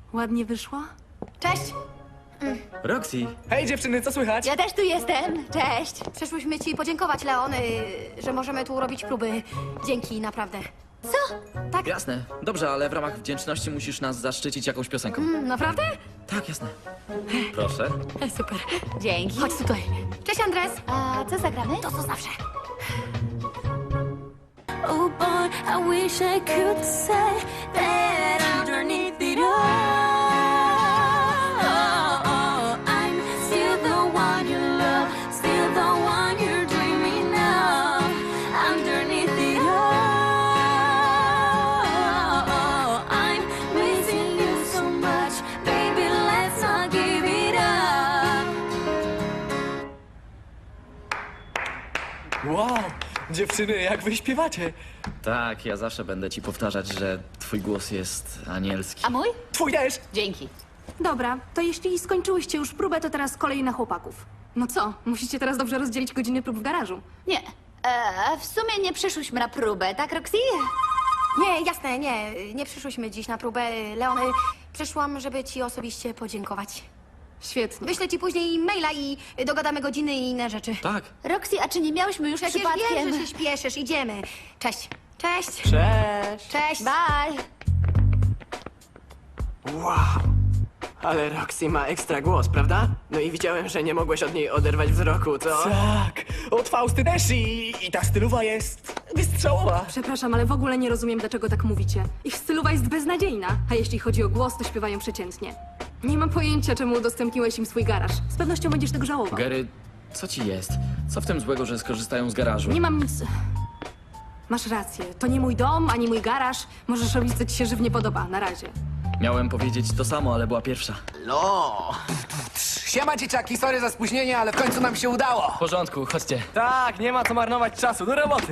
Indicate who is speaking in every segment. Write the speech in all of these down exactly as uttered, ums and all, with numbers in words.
Speaker 1: Ładnie wyszło?
Speaker 2: Cześć!
Speaker 3: Roxy,
Speaker 4: Hej dziewczyny, co słychać?
Speaker 2: Ja też tu jestem. Cześć! Przyszłyśmy ci podziękować, Leon, y, że możemy tu robić próby. Dzięki, naprawdę. Co? Tak?
Speaker 3: jasne. Dobrze, ale w ramach wdzięczności musisz nas zaszczycić jakąś piosenką.
Speaker 2: Mm, Naprawdę?
Speaker 3: Tak, jasne. Proszę.
Speaker 2: Super.
Speaker 5: Dzięki.
Speaker 2: Chodź tutaj. Cześć, Andres.
Speaker 5: A co zagramy?
Speaker 2: To co zawsze.
Speaker 6: Oh boy, I wish I could say that underneath it all, I'm still the one you love, still the one you're dreaming of. Underneath it all, I'm missing you so much, baby, let's not give it up.
Speaker 4: Wow, dziewczyny, jak wy śpiewacie?
Speaker 3: Tak, ja zawsze będę ci powtarzać, że twój głos jest anielski.
Speaker 5: A mój?
Speaker 4: Twój też!
Speaker 5: Dzięki.
Speaker 1: Dobra, to jeśli skończyłyście już próbę, to teraz kolej na chłopaków. No co, musicie teraz dobrze rozdzielić godziny prób w garażu.
Speaker 5: Nie. E, w sumie nie przyszłyśmy na próbę, tak, Roxy?
Speaker 2: Nie, jasne, nie. Nie przyszłyśmy dziś na próbę. Leon, y, przyszłam, żeby ci osobiście podziękować.
Speaker 1: Świetnie.
Speaker 2: Wyślę ci później maila i dogadamy godziny i inne rzeczy.
Speaker 3: Tak.
Speaker 5: Roxy, a czy nie miałyśmy już
Speaker 2: Przecież
Speaker 5: przypadkiem...
Speaker 2: wiem, że się śpieszysz. Idziemy. Cześć. Cześć.
Speaker 4: Cześć!
Speaker 2: Cześć.
Speaker 5: Bye.
Speaker 7: Wow! Ale Roxy ma ekstra głos, prawda? No i widziałem, że nie mogłeś od niej oderwać wzroku, co?
Speaker 4: Tak, od Fausty też i, i ta stylowa jest wystrzałowa.
Speaker 1: Przepraszam, ale w ogóle nie rozumiem, dlaczego tak mówicie. Ich stylowa jest beznadziejna, a jeśli chodzi o głos, to śpiewają przeciętnie. Nie mam pojęcia, czemu udostępniłeś im swój garaż. Z pewnością będziesz tego żałował.
Speaker 3: Gary, co ci jest? Co w tym złego, że skorzystają z garażu?
Speaker 1: Nie mam nic... Masz rację, to nie mój dom, ani mój garaż. Możesz robić, co ci się żywnie podoba. Na razie.
Speaker 3: Miałem powiedzieć to samo, ale była pierwsza.
Speaker 8: No! Siema dzieciaki, sorry za spóźnienie, ale w końcu nam się udało!
Speaker 3: W porządku, chodźcie.
Speaker 4: Tak, nie ma co marnować czasu, do roboty.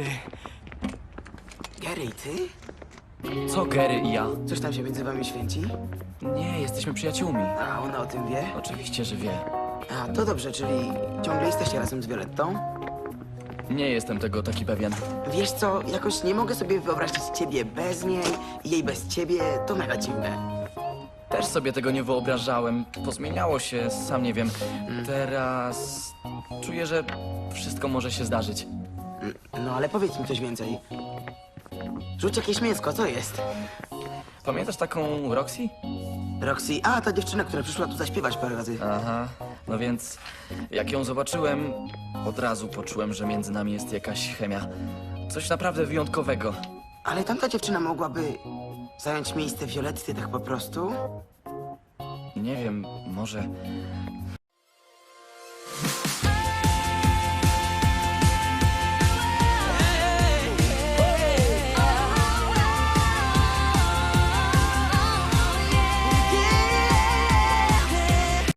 Speaker 7: Gary, ty?
Speaker 3: Co Gary i ja?
Speaker 7: Coś tam się między wami święci?
Speaker 3: Nie, jesteśmy przyjaciółmi.
Speaker 7: A ona o tym wie?
Speaker 3: Oczywiście, że wie.
Speaker 7: A, to dobrze, czyli ciągle jesteście razem z Violettą?
Speaker 3: Nie jestem tego taki pewien.
Speaker 7: Wiesz co, jakoś nie mogę sobie wyobrazić ciebie bez niej i jej bez ciebie, to mega dziwne.
Speaker 3: Też sobie tego nie wyobrażałem. Pozmieniało się, sam nie wiem. Teraz czuję, że wszystko może się zdarzyć.
Speaker 7: No ale powiedz mi coś więcej. Rzuć jakieś mięsko, co jest?
Speaker 3: Pamiętasz taką Roxy?
Speaker 7: Roxy, a ta dziewczyna, która przyszła tu zaśpiewać parę razy.
Speaker 3: Aha, no więc jak ją zobaczyłem, od razu poczułem, że między nami jest jakaś chemia. Coś naprawdę wyjątkowego.
Speaker 7: Ale tamta dziewczyna mogłaby zająć miejsce Violetty tak po prostu?
Speaker 3: Nie wiem, może...